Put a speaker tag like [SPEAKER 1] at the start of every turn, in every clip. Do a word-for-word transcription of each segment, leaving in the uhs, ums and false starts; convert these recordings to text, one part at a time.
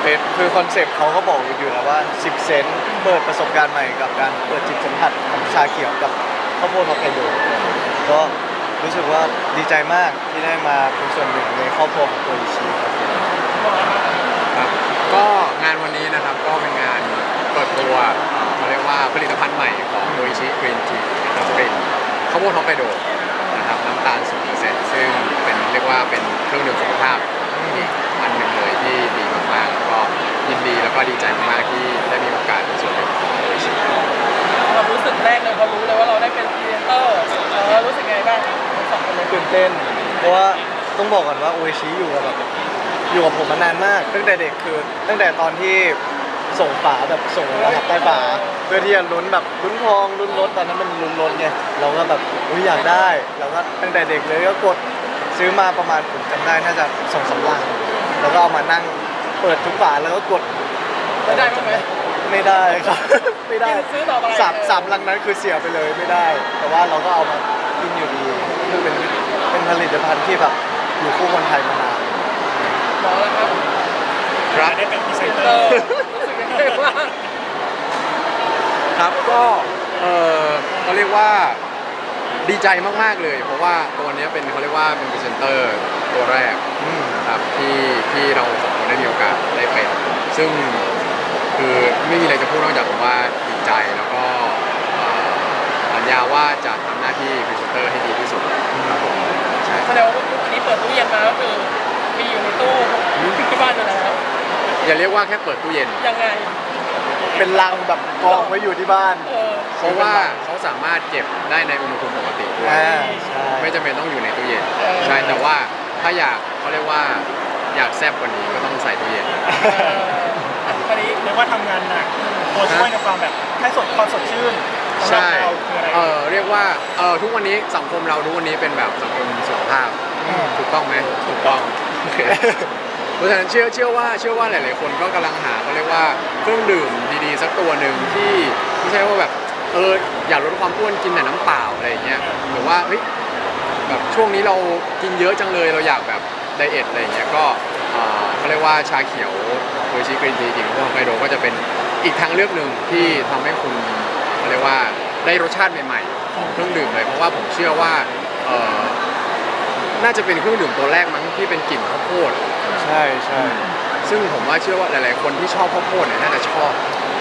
[SPEAKER 1] เป็นคือคอนเซปต์เขาก็บอกอยู่แล้วว่าสิบเซนต์เปิดประสบการณ์ใหม่กับการเปิดจิตสัมผัสของชาเขียวกับข้าวโพดฮอกไกโดก็รู้สึกว่าดีใจมากที่ได้มาเป็นส่วนหนึ่งในครอบครัวของโออิชิครับ
[SPEAKER 2] ครับก็งานวันนี้นะครับก็เป็นงานเปิดตัวเอ่อเขาเรียกว่าผลิตภัณฑ์ใหม่ของโดอิชิกรีนทีนะครับเป็นข้าวโพดฮอกไกโดนะครับน้ำตาลศูนย์เปอร์เซ็นต์ซึ่งเป็นเรียกว่าเป็นเครื่องดื่มสุขภาพอีกอันหนึ่งเลยที่ดีมากๆก็ยินดีแล้วก็ดีใจมากๆที่ได้มีโอกาสเป็นส่วนหนึ่งของโดอิชิ
[SPEAKER 3] เรารู้สึกแรกเลยพอรู้เลยว่าเราได้เป็นพรีเซนเตอร์เออรู้สึกไงบ้างทั้งสองคนเลย
[SPEAKER 1] ตื่นเต้นเพราะว่าต้องบอกก่อนว่าโออิชิอยู่กับแบบอยู่กับผมมานานมากตั้งแต่เด็กคือตั้งแต่ตอนที่ส่งฝาแบบส่งรหัสใต้ฝาเพื่อที่จะลุ้นแบบลุ้นทองลุ้นรถตอนนั้นมันลุ้นรถไงเราก็แบบอุ้ยอยากได้เราก็ตั้งแต่เด็กเลยก็กดซื้อมาประมาณผมจำได้น่าจะสองสามลังแล้วก็เอามานั่งเปิดทุกฝาแล้วก็กด
[SPEAKER 3] ไม่ได้บ้างไหม
[SPEAKER 1] ไม่ได้ครับ ไม่ได้
[SPEAKER 3] ซื้อต่อไป
[SPEAKER 1] สามสามลังนั้นคือเสียไปเลยไม่ได้ แต่ว่าเราก็เอามากินอยู่ดีคือเป็นเป็นผลิตภัณฑ์ที่แบบอยู่คู่คนไทยมานาน
[SPEAKER 3] หมอแล้วครับ
[SPEAKER 2] ครับ
[SPEAKER 4] ได้เป็นพรีเซนเต
[SPEAKER 3] เอ
[SPEAKER 4] อ
[SPEAKER 3] อ
[SPEAKER 4] ร์
[SPEAKER 3] รู้สึกยังไงบ้าง
[SPEAKER 2] ครับก็เออเขาเรียกว่าดีใจมากๆเลย เพราะว่าตัวเนี้ยเป็นเขาเรียกว่าเป็นพรีเซนเตอร์ตัวแรกนะครับที่ที่เราสองคนได้มีโอกาสได้เป็นซึ่งคือไม่มีอะไรจะพูดนอกจากว่าดีใจแล้วก็เอ่อสัญญาว่าจะทำหน้าที่พรีเซนเตอร์ให้ดีที่สุดครับผมใช่
[SPEAKER 3] แสดงว่าวันนี้เปิดตู้เย็นมาก็คือมีอยู่ในตู้ที่บ้านอยู่แล้ว
[SPEAKER 2] อย่าเรียกว่าแค่เปิดตู้เย็น
[SPEAKER 3] ยังไง
[SPEAKER 1] เป็นลังแบบกองไว้อยู่ที่บ้าน
[SPEAKER 3] เออ
[SPEAKER 2] เพราะว่าเขาสามารถเก็บได้ในอุณหภูมิปกติด้วย
[SPEAKER 1] อ่าใช่
[SPEAKER 2] ไม่จำเป็นต้องอยู่ในตู้เย็นใช่แต่ว่าถ้าอยากเขาเรียกว่าอยากแซ่บกว่านี้ก็ต้องใส่ตู้เย็น
[SPEAKER 3] เออวันนี้
[SPEAKER 4] เรียกว่าทำงานหนักตัวช่วยในความแบบให้สดความสดชื่นสำหรับ
[SPEAKER 2] ใช่
[SPEAKER 4] เราคืออะไร
[SPEAKER 2] เออเรียกว่าเออทุกวันนี้สังคมเราทุกวันนี้เป็นแบบสังคมสุขภาพถูกต้องไหมถูกต้องโอเคเพราะฉะนั้นเชื่อเชื่อว่าเชื่อว่าหลาย ๆ คนก็กำลังหาเขาเรียกว่าเครื่องดื่มดีๆสักตัวหนึ่งที่ไม่ใช่ว่าแบบเอออยากลดความอ้วนกินแต่น้ำเปล่าอะไรอย่างเงี้ยหรือว่าเฮ้ยแบบช่วงนี้เรากินเยอะจังเลยเราอยากแบบไดเอทอะไรอย่างเงี้ยก็เอ่อเขาเรียกว่าชาเขียวโดยชิกรีนทีจริงๆพวกไฮโดก็จะเป็นอีกทางเลือกหนึ่งที่ทำให้คุณเขาเรียกว่าได้รสชาติใหม่ๆของเครื่องดื่มเลยเพราะว่าผมเชื่อว่าเอ่อน่าจะเป็นเครื่องดื่มตัวแรกมั้งที่เป็นกลิ่นข้าวโพด
[SPEAKER 1] ใช่ใช่
[SPEAKER 2] ซึ่งผมว่าเชื่อว่าหลาย ๆ คนที่ชอบข้าวโพดเนี่ยน่าจะชอบ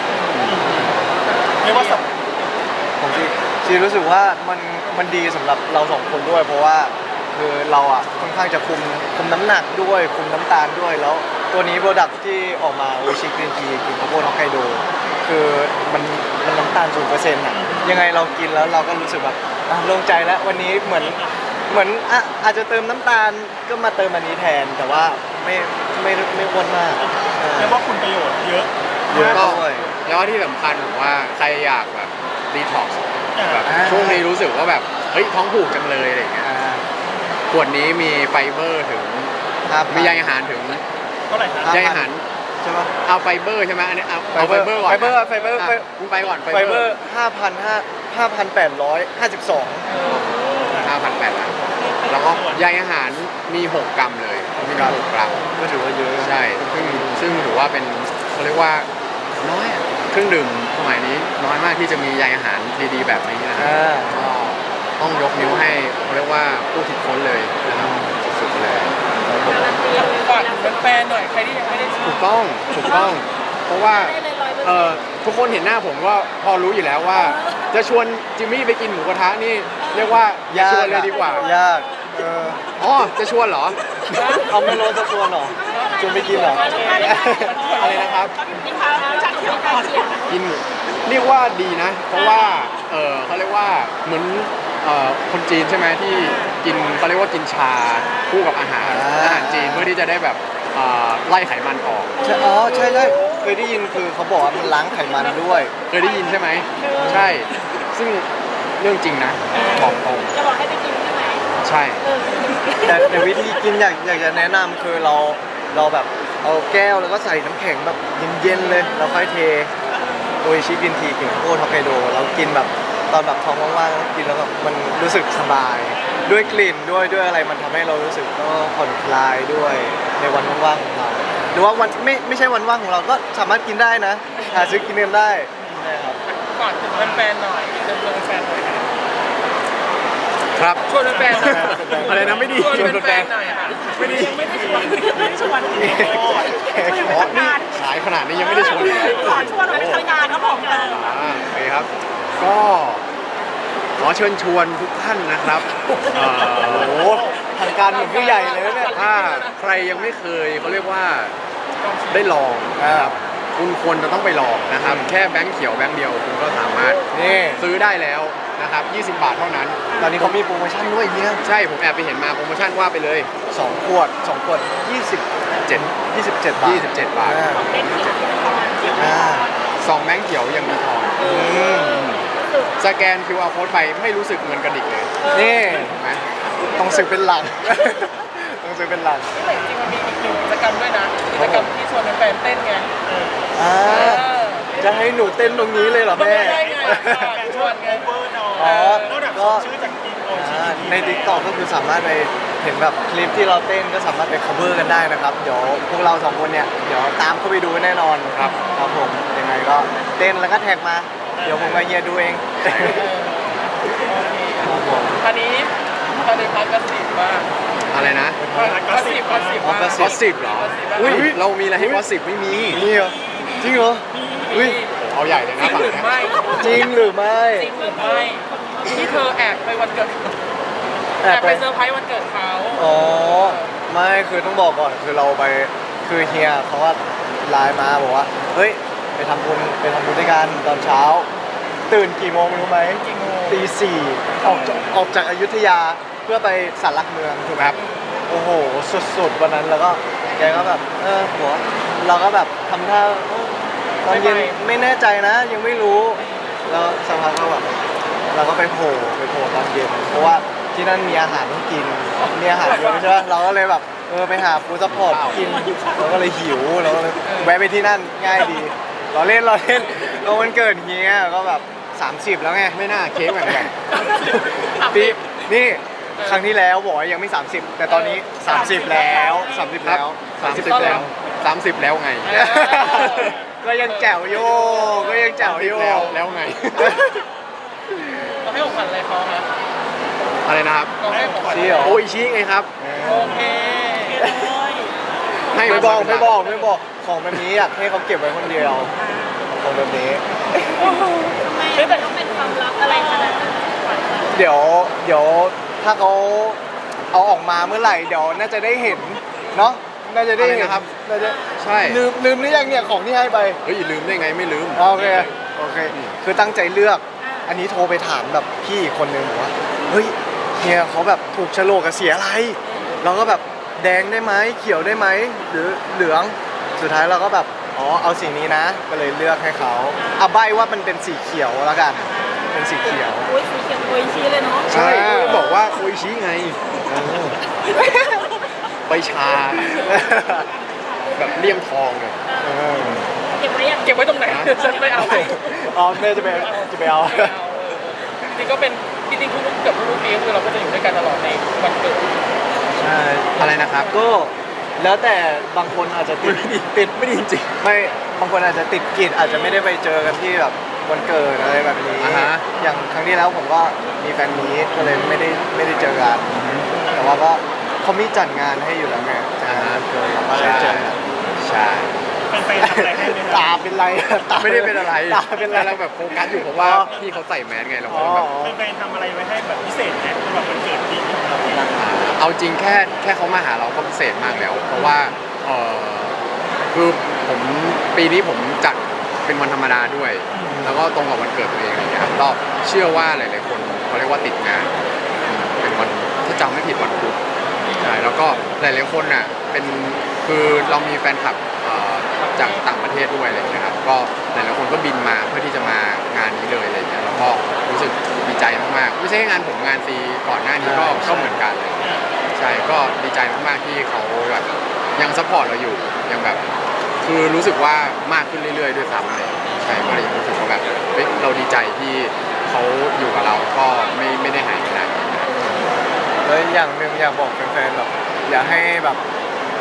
[SPEAKER 4] เรียกว่าสับ
[SPEAKER 1] ผมจีจีรู้สึกว่ามันมันดีสำหรับเราสองคนด้วย เพราะว่าคือเราอ่ะค่อนข้างจะคุมคุมน้ำหนักด้วยคุมน้ำตาลด้วยแล้วตัวนี้โปรดักที่ออกมาโอชิกรีนทีกินข้าวโพดฮอกไกโดคือมันมันน้ำตาลศูนย์เปอร์เซ็นต์อ่ะยังไงเรากินแล้วเราก็รู้สึกแบบอ่ะโล่งใจแล้ววันนี้เหมือนเหมือนอ่ะอาจจะเติมน้ำตาลก็มาเติมอันนี้แทน แต่ว่าไม่ไม่ไม่อ้วนมากเออ
[SPEAKER 4] เรียกว่าคุณประโยชน์เยอะ
[SPEAKER 1] เยอะ
[SPEAKER 2] ก็
[SPEAKER 1] ด้วย
[SPEAKER 2] แล้วที่สำคัญผมว่าใครอยากแบบดีท็อกซ์แบบ
[SPEAKER 1] อ่า
[SPEAKER 2] ช่วงนี้รู้สึกว่าแบบเฮ้ยท้องผูกจังเลยอะไรอย่างเงี้ย
[SPEAKER 1] อ่า
[SPEAKER 2] ขวดนี้มีไฟเบอร์ถึง
[SPEAKER 1] ครับ
[SPEAKER 2] มีใยอาหารถึง
[SPEAKER 4] เท่าไหร่ครับ
[SPEAKER 1] ห้าพัน
[SPEAKER 2] ใยอาหาร
[SPEAKER 1] ใช่ปะ
[SPEAKER 2] เอาไฟเบอร์ใช่ไหมอันนี้เอาเอา
[SPEAKER 1] ไฟ
[SPEAKER 2] ไฟ
[SPEAKER 1] เบ
[SPEAKER 2] เบ
[SPEAKER 1] อ
[SPEAKER 2] อ
[SPEAKER 1] ร์
[SPEAKER 2] ร์ก่อน
[SPEAKER 1] ไฟเบอร์ไฟเบอร์
[SPEAKER 2] อ่ะ
[SPEAKER 1] ไฟ
[SPEAKER 2] คุณไปก่อน
[SPEAKER 1] ไฟเบอร์ห้าพันห้าห้าพันแปดร้อยห้าสิบสอง
[SPEAKER 2] ห้าพันแปดล้านแล้วก็ใยอาหารมีหกกรัมเลยมีหกกรัม
[SPEAKER 1] ก็ถือว่าเยอะ
[SPEAKER 2] ใช่ ซึ่งซึ่งถือว่าเป็นเขาเรียกว่าน้อยอะเครื่องดื่มสมัยนี้น้อยมากที่จะมีใยอาหารดีๆแบบนี้นะครับ
[SPEAKER 1] อ่า
[SPEAKER 2] ก็ต้องยกนิ้วให้เขาเรียกว่าผู้คิดค้นเลยนะครับสุดๆเลย
[SPEAKER 5] การันตีเลย
[SPEAKER 3] ฝากถึงแฟนๆหน่อยใครที่ยังไม่ได้ซื้อ
[SPEAKER 2] ถูกต้องถูกต้อง เพราะว่า
[SPEAKER 5] ได้เลยร้อยเปอร์
[SPEAKER 2] เอ
[SPEAKER 5] เซ็น
[SPEAKER 2] อ
[SPEAKER 5] ต์
[SPEAKER 2] ทุกคนเห็นหน้าผมก็พอรู้อยู่แล้วว่า จะชวนจิมมี่ไปกินหมูกระทะนี่เรียกว่าอย่าชวนเลยดีกว่า
[SPEAKER 1] ยากเออ
[SPEAKER 2] อ๋อจะชวนเหรอ
[SPEAKER 1] เอาไม่รู้จะชวนเหรอชวนไปกินเหรอ
[SPEAKER 2] อะไรนะครับ
[SPEAKER 5] มีข่าวจากมีข่าวเขียน
[SPEAKER 2] กินหมูเรียกว่าดีนะ เพราะว่าเออเขาเรียกว่าเหมือนเอ่อคนจีนใช่ไหมที่กินเขาเรียกว่ากินชาคู่กับอาหาร
[SPEAKER 1] อ่า
[SPEAKER 2] อาหารจีนเพื่อที่จะได้แบบเอ่อไล่ไขมันออก
[SPEAKER 1] ใช่อ๋อใช่ใช่เคยได้ยินคือเขาบอกว่ามันล้างไขมันด้วย
[SPEAKER 2] เคยได้ยินใช่ไหมใช่ ซึ่งเรื่องจริงนะบอกตรง
[SPEAKER 5] จะบอกให้ไปกินใช่ไหม
[SPEAKER 2] ใช่
[SPEAKER 5] เออ
[SPEAKER 1] แต่แต่วิธีกินอยากอยากจะแนะนำคือเราเราแบบเอาแก้วแล้วก็ใส่น้ำแข็งแบบเย็นๆเลยแล้วค่อยเทโออิชิกินทีกินข้าวโพดฮอกไกโดแล้วกินแบบตอนแบบท้องว่างๆกินแล้วแบบมันรู้สึกสบาย ด้วยกลิ่นด้วยด้วยอะไรมันทำให้เรารู้สึกก็ผ่อนคลายด้วยในวันว่างๆของเรา
[SPEAKER 2] อ
[SPEAKER 1] รือว่าวันไม่ไม่ใช่วันว่างของเราก็สามารถกินได้นะหาซื้อกินกันได้ใช่ครับ
[SPEAKER 3] ก่อนถึงแฟนๆหน่อยเดินเดินแฟนหน่อยค่ะ
[SPEAKER 2] ครับ
[SPEAKER 3] ชวนแฟนๆหน่อย
[SPEAKER 2] อะไรนะไม่ดี
[SPEAKER 3] ชวนแฟนๆหน่อยค่ะ
[SPEAKER 2] ไม่ดี
[SPEAKER 5] ยังไม่ได้ชวนไม่ได้ชวน
[SPEAKER 2] อ๋อนี่ขายขนาดนี้ยังไม่ได้ชวนเลย
[SPEAKER 5] ขอชวนเราไปทำงานครับผมเลย
[SPEAKER 2] อ่าโอเคครับ ก็ขอเชิญชวนทุกท่านนะครับเอ่อ
[SPEAKER 1] โอ้โหทางการเหมือนผู้ใหญ่เลยนะเนี่ย
[SPEAKER 2] ถ้าใครยังไม่เคยเขาเรียกว่าได้ลองนะครับคุณควรจะต้องไปลองนะครับ แค่แบงค์เขียวแบงค์เดียวคุณก็สามารถ
[SPEAKER 1] นี่
[SPEAKER 2] ซื้อได้แล้วนะครับยี่สิบบาทเท่านั้น
[SPEAKER 1] ตอนนี้เขามีโปรโมชั่นด้วยเนี่ย
[SPEAKER 2] ใช่ผมแอบไปเห็นมาโปรโมชั่นว่าไปเลย
[SPEAKER 1] สองขวดสองขวดยี่สิบ
[SPEAKER 2] เจ็ด
[SPEAKER 1] ยี่สิบเจ็ดบาท
[SPEAKER 2] ยี่สิบเจ็ดบาท
[SPEAKER 1] อ่า
[SPEAKER 5] เป็นเขียวที่ประมาณสิบ
[SPEAKER 1] อ่า
[SPEAKER 2] ซองแบงค์เขียวยังมีทอง
[SPEAKER 1] อืม
[SPEAKER 2] สแกน คิว อาร์ Code ไปไม่รู้สึกเงินกระดิกเลย
[SPEAKER 1] นี่
[SPEAKER 2] เห็นไหม
[SPEAKER 1] ต้องซื้อเป็นหลัง ต้องซื้อเป็นหลัง
[SPEAKER 3] แต่จริงๆมันมีอีกหนึ่งกิจกรรมด้วยนะกิจกรรมที่ชวนแฟนๆเต้นไง
[SPEAKER 1] อ่า
[SPEAKER 3] เออ
[SPEAKER 1] จะให้หนูเต้นตรงนี้เลยเหรอ
[SPEAKER 3] ไม่
[SPEAKER 1] แม่
[SPEAKER 3] ได้ไงก่อนชวนไง
[SPEAKER 4] เวอร์นอ
[SPEAKER 1] อ๋อ
[SPEAKER 4] นอกจาก
[SPEAKER 1] ก็
[SPEAKER 4] ชื่อจากทีมโอชี
[SPEAKER 1] อ่าใน TikTok ก็คือสามารถไปเห็นแบบคลิปที่เราเต้นก็สามารถไป cover กันได้นะครับ เดี๋ยวพวกเราสองคนเนี่ย เดี๋ยวตามเข้าไปดูแน่นอน
[SPEAKER 2] ครับ
[SPEAKER 1] ครับผม ยังไงก็เต้นแล้วก็แท็กมา เดี๋ยวผมกับเฮียดูเอง ครับผม
[SPEAKER 3] อันนี้ตอนนี้พักกระสิบมาก
[SPEAKER 2] อะไรนะ
[SPEAKER 3] กระสิบกระสิบมาก
[SPEAKER 2] กอสซิบเหรอ อุ้ยเรามีอะไรให้กอสซิบไม่มี
[SPEAKER 1] นี่เหรอ จริงเหรอ อุ้ย
[SPEAKER 2] เอาใหญ่เลย
[SPEAKER 3] จ
[SPEAKER 2] นะ
[SPEAKER 3] ริง
[SPEAKER 2] ฝั่ง
[SPEAKER 3] หรือ
[SPEAKER 2] เนี้ย
[SPEAKER 3] ไม่
[SPEAKER 1] จริงหรือไม่
[SPEAKER 3] จริงหรือไม่ที่เธอแอบไปวันเกิด
[SPEAKER 1] แอ
[SPEAKER 3] แอ
[SPEAKER 1] บบ ไป
[SPEAKER 3] ไปเซอร์ไพรส์วันเกิดเขา
[SPEAKER 1] อ๋อ ไม่คือต้องบอกก่อนคือเราไปคือเฮียเขาก็ไลน์มาบอกว่า เฮ้ย ไปทำบุญไปทำบุญด้วยกันตอนเช้า ตื่นกี่โมงรู้ไหม
[SPEAKER 3] จริงโง่
[SPEAKER 1] ตีสี่ออกจากออกจากอยุธยาเพื่อไปสารหลักเมืองถูกไหมครับ โอ้โห สุดๆวันนั้นแล้วก็แกก็แบบ เออหัวเราก็แบบทำท่าเออตอนเย็นไม่แน่ใจนะ ยังไม่รู้ แล้วสักพักก็แบบเราก็ไปโผล่ไปโผล่ตอนเย็น เพราะว่าที่นั่นมีอาหารต้องกิน มีอาหารเยอะใช่ไหมเราก็เลยแบบเออไปหาฟู้ดซัพพอร์ตกินเราก็เลยหิวเราก็เลยแวะไปที่นั่นง่ายดี เราเล่นเราเล่นเราวันเกิดเฮียก็แบบสามสิบแล้วไง
[SPEAKER 2] ไม่น่าเค้กเหมือนกัน
[SPEAKER 1] ปีนี่ครั้งที่แล้วบอกว่ายังไม่ สามสิบ แต่ตอนนี้ สามสิบ แล้ว สามสิบ แล้ว
[SPEAKER 2] สามสิบแล้วสามสิบแล้วไง
[SPEAKER 1] ก็ยังแจ๋วโยก็ยังแจ๋วโย
[SPEAKER 2] แล้วแล้วไง
[SPEAKER 3] เราให้ของขวัญอะไรเขาคะ
[SPEAKER 2] อะไรนะครับ
[SPEAKER 3] เราให้ของขวัญ
[SPEAKER 1] ชี้เหรอ
[SPEAKER 2] โอ้ยชี้ไงครับ
[SPEAKER 3] โอเค
[SPEAKER 2] ให้
[SPEAKER 1] ไม่
[SPEAKER 2] มา
[SPEAKER 1] บอก
[SPEAKER 2] เป็นหลั
[SPEAKER 1] ไม่บอกไม่บอกของแบบนี้อยากให้เขาเก็บไว้คนเดียวของแบบนี้
[SPEAKER 5] ทำไมต้องเป็นความลับอะไรขนาดนั้น
[SPEAKER 1] เดี๋ยวเดี๋ยวถ้าเขาเอาออกมาเมื่อไหร่เดี๋ยวน่าจะได้เห็นเนาะน่าจะได้เห็น
[SPEAKER 2] อะไรนะครับ
[SPEAKER 1] น่าจะ
[SPEAKER 2] ใช่
[SPEAKER 1] ลืมลืมหรือยังเนี่ยของที่ให้ไป
[SPEAKER 2] เฮ้ยลืมได้ไงไม่ลืม
[SPEAKER 1] โอเคโอเค คือตั้งใจเลือก อันนี้โทรไปถามแบบพี่อีกคนนึงบอกว่าเฮ้ยเฮียเขาแบบถูกโฉลกกับเสียอะไรเราก็แบบแดงได้ไหมเขียวได้ไหมหรือเหลืองสุดท้ายเราก็แบบอ๋อเอาสีนี้นะ ก็เลยเลือกให้เขาเอาใบว่ามันเป็นสีเขียวแล้วกัน เป็นสีเขียว
[SPEAKER 5] อุ้ยสีเขียวโอยชี้เลยเนาะ
[SPEAKER 2] ใช่
[SPEAKER 1] อ่า
[SPEAKER 2] ก็บอกว่าโอ้ยชี้ไงใบชา แบบเลี่ยมทองเลย
[SPEAKER 1] เออ
[SPEAKER 5] เก็บไว้ยัง
[SPEAKER 3] เก็บไว้ตรงไหนฉันไม่เอา
[SPEAKER 1] อ๋อแม่จะไปจะไปเอา
[SPEAKER 3] จริงก็เป็นจริงๆทุกๆเกือบทุกๆปีก็คือเราก็จะอยู่ด้วยกันตลอดในวันเกิด
[SPEAKER 1] ใช่
[SPEAKER 2] อะไรนะครับ
[SPEAKER 1] ก็แล้วแต่บางคนอาจจะติดติดไม่ดีจริงไม่บางคนอาจจะติดกิจอาจจะไม่ได้ไปเจอกันที่แบบวันเกิดอะไรแบบนี้
[SPEAKER 2] อ่าฮะ
[SPEAKER 1] อย่างครั้งที่แล้วผมก็มีแฟนมีตก็เลยไม่ได้ไม่ได้เจอกันแต่ว่าก็เขามีจัดงานให้อยู่แล้วไงจัดงานวันเกิดเราก็ได้เจอกัน
[SPEAKER 2] ใช่
[SPEAKER 4] เป็นไปทำอะไรให้ไหมค
[SPEAKER 1] ตา
[SPEAKER 4] รับ
[SPEAKER 1] เป็นไรตา
[SPEAKER 2] ไม่ได้เป็นอะไร
[SPEAKER 1] ตาเป็นไร
[SPEAKER 2] เราแบบโฟกัสอยู่เพราะว่าพี่เขาใส่แมสไงเรา
[SPEAKER 1] อ๋
[SPEAKER 2] ก็
[SPEAKER 1] อ
[SPEAKER 2] แบบ
[SPEAKER 4] เป็นไปทำอะไรไว้ให้แบบพิเศษไหมสำหรับวันเกิดปีนี้ของเราเนี่ย
[SPEAKER 2] เอาจริงแค่แค่เขามาหาเราก็พิเศษมากแล้ว เพราะว่าเออคือผมปีนี้ผมจัดเป็นวันธรรมดาด้วย แล้วก็ตรงกับวันเกิดตัวเองอะไรอย่างเงี้ยครับก็เชื่อว่าหลายๆคนเขาเรียกว่าติดงานอืมเป็นวันถ้าจำไม่ผิดวันพุธใช่แล้วก็หลายๆคนน่ะเป็นคือเรามีแฟนคลับเอ่อจากต่างประเทศด้วยอะไรอย่างเงี้ยครับก็หลายๆคนก็บินมาเพื่อที่จะมางานนี้เลยอะไรอย่างเงี้ยแล้วก็รู้สึกดีใจมากๆไม่ใช่แค่งานผมงานฟรีก่อนหน้านี้ก็ก็เหมือนกันเลย ใช่ก็ดีใจมากๆที่เขาแบบยังซัพพอร์ตเราอยู่ยังแบบคือรู้สึกว่ามากขึ้นเรื่อยๆด้วยซ้ำเลยใช่ก็เลยรู้สึกว่าแบบเฮ้ยเราดีใจที่เขาอยู่กับเราก็ไม่ไม่ได้หายไปไหน
[SPEAKER 1] แล้วอย่างหนึ่งอยากบอกแฟนๆแบบอยากให้แบบ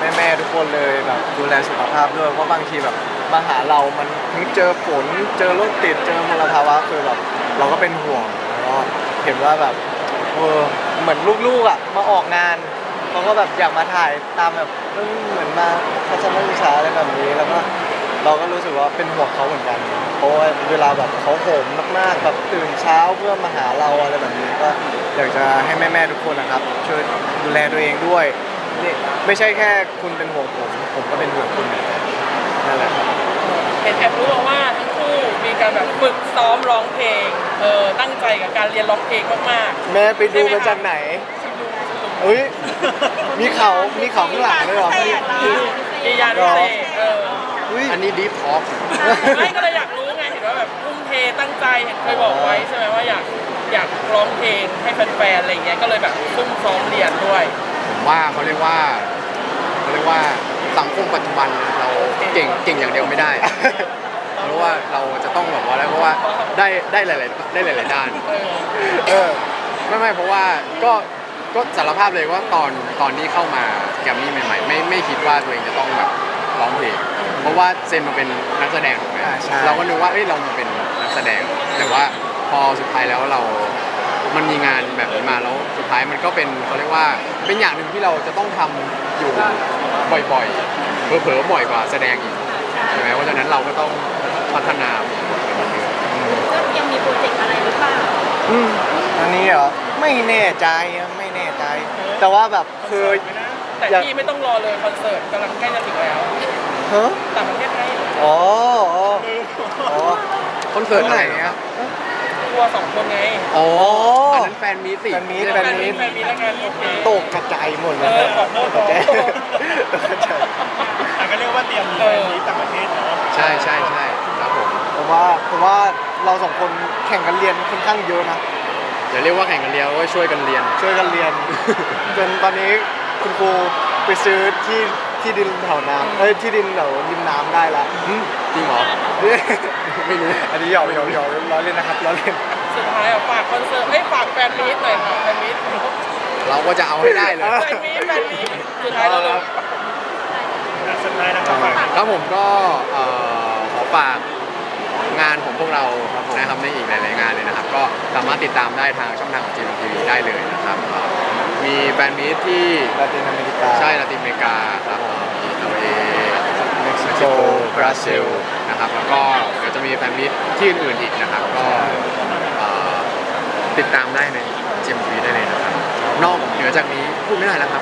[SPEAKER 1] แม่ๆทุกคนเลยแบบดูแลสุขภาพด้วยเพราะบางทีแบบมาหาเรามันทั้งเจอฝนเจอรถติดเจอมลภาวะคือแบบเราก็เป็นห่วงแล้วก็เห็นว่าแบบเออเหมือนลูกๆอ่ะมาออกงานเขาก็แบบอยากมาถ่ายตามแบบเออเหมือนมาทัศนศึกษาอะไรแบบนี้แล้วก็เราก็รู้สึกว่าเป็นห่วงเขาเหมือนกันเพราะว่าเวลาแบบเขาโหมมากๆแบบตื่นเช้าเพื่อมาหาเราอะไรแบบนี้ก็อยากจะให้แม่ๆทุกคนนะครับช่วยดูแลตัวเองด้วยนี่ไม่ใช่แค่คุณเป็นห่วงผมผมก็เป็นห่วงคุณเหมือนกันนั่นแหละครับ
[SPEAKER 3] เห็นแอบรู้มาว่าทั้งคู่มีการแบบฝึกซ้อมร้องเพลงเออตั้งใจกับการเรียนร้องเพลงมาก
[SPEAKER 1] แม่ไปดูมาจากไหนเอ้ยมีเขามีเขาข้างหลังด้วยเหรอ
[SPEAKER 3] ๆมียานพิเศษเออ
[SPEAKER 1] อุ้ย
[SPEAKER 2] อันนี้ดีฟท็อก
[SPEAKER 3] ไม่ก็เลยอยากรู้ไงเห็นว่าแบบทุ่มเทตั้งใจเห็นเคยบอกไว้ใช่ไหมว่าอยากอยากร้องเพลงให้แฟนๆอะไรเงี้ยก็เลยแบบซุ่มซ้อมเรียนด้วย
[SPEAKER 2] ผมว่าเขาเรียกว่าเขาเรียกว่าสังคมปัจจุบันเราเก่งเก่งอย่างเดียวไม่ได้ เพราะว่าเราจะต้องแบบว่าอะไรเพราะว่าได้ได้หลายๆได้หลายๆด้าน
[SPEAKER 3] เออ
[SPEAKER 1] เออ
[SPEAKER 2] ไม่ไม่เพราะว่าก็ก็สารภาพเลยว่าตอนตอนที่เข้ามาแกรมมี่ใหม่ๆไม่ไม่คิดว่าตัวเองจะต้องแบบร้องเพลงเพราะว่าเซนมาเป็นนักแสดงถูกไหม
[SPEAKER 1] อ่าใช่
[SPEAKER 2] เราก็นึกว่าเอ้ยเรามาเป็นนักแสดง แต่ว่าพอสุดท้ายแล้วเรา มันมีงานแบบนี้มาแล้วสุดท้ายมันก็เป็นเขาเรียกว่าเป็นอย่างหนึ่งที่เราจะต้องทำอยู่บ่อยๆเผลอๆบ่อยกว่าแสดงอีกใช่ไหมเพราะฉะนั้นเราก็ต้องพัฒนาเป็นเรื่อย
[SPEAKER 5] ก็ยังมีโปรเจกต์อะไรหรือเปล่า
[SPEAKER 1] อืมอันนี้เหรอไม่แน่ใจอะไม่แน่ใจ แต่ว่าแบบคือ
[SPEAKER 3] แต่
[SPEAKER 1] อยาก
[SPEAKER 3] ที่ไม่ต้องรอเลยคอนเสิร์ตกำลังใกล้จะถึงแล้ว
[SPEAKER 1] ฮะ
[SPEAKER 3] ต่างประเทศไง
[SPEAKER 1] อ๋ออ๋ออ๋อ
[SPEAKER 2] ๆคอนเสิร์ตไหนครับ
[SPEAKER 3] ทัวร์สองคนไง
[SPEAKER 2] อ๋ออันนั้นแฟนมีตสิ
[SPEAKER 1] แฟนมีต
[SPEAKER 3] แฟนมีแฟนมีแล้วกันโอเค
[SPEAKER 1] ตกกระจายหมดเลย
[SPEAKER 3] เออขอโทษ
[SPEAKER 1] ตกกระจาย
[SPEAKER 3] ขอโทษ
[SPEAKER 1] ตกกระจาย
[SPEAKER 4] แต่ก็เรียกว่าเตรียมมี
[SPEAKER 3] เออ
[SPEAKER 4] นี้ต่างประเทศเนาะ
[SPEAKER 2] ใช่ใช่ใช่ครับผม
[SPEAKER 1] ผมว่าผมว่าเราสองคนแข่งกันเรียนค่อนข้างเยอะนะ
[SPEAKER 2] อย่าเรียกว่าแข่งกันเรียนว่าช่วยกันเรียน
[SPEAKER 1] ช่วยกันเรียน จนตอนนี้คุณครูไปซื้อที่ที่ดินแถวน้ำเอ้ยที่ดินแถวริมน้ำได้ละ
[SPEAKER 2] หึจริงเหรอ ไม่รู้
[SPEAKER 1] อันนี้หยอกหยอกหยอกล้อเล่นนะครับล้อเล่น
[SPEAKER 3] สุดท้ายอ่ะฝากคอนเสิร์ตเอ้ยฝากแฟนมีตหน่อยค่ะแฟนมีต
[SPEAKER 2] เราก็จะเอาให้ได้เลย
[SPEAKER 3] แฟนมีตแฟนมีตสุดท้ายแล้วเรา
[SPEAKER 4] อ่ะสุดท้ายนะครับฝาก
[SPEAKER 2] ครับผมก็เอ่อขอฝากงานของพวกเรานะครับในอีกหลาย ๆ งานเลยนะครับ ก็สามารถติดตามได้ทางช่องทางของจีนทีวีได้เลยนะครับเอ่อมีแฟนมีตที่
[SPEAKER 1] ลาตินอเมริกา
[SPEAKER 2] ใช่ลาตินอเมริกาครับเอ่อมีเอเอ
[SPEAKER 1] เม็กซิ
[SPEAKER 2] เม็ก
[SPEAKER 1] โก
[SPEAKER 2] ซิโกบราซิลนะครับแล้วก็เดี๋ยวจะมีแฟนมีตที่อื่น ๆ อีกนะครับ ก็เอ่อติดตามได้ในจีนทีวีได้เลยนะครับ นอกเหนือจากนี้พูดไม่ได้แล้วครับ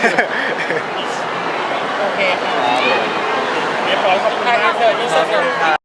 [SPEAKER 3] โอเคค่ะ
[SPEAKER 4] เรียบร้อยขอบคุณ
[SPEAKER 3] ทาง
[SPEAKER 4] มาก
[SPEAKER 3] อินเสิร์ตอินเสิร์ต
[SPEAKER 1] ครั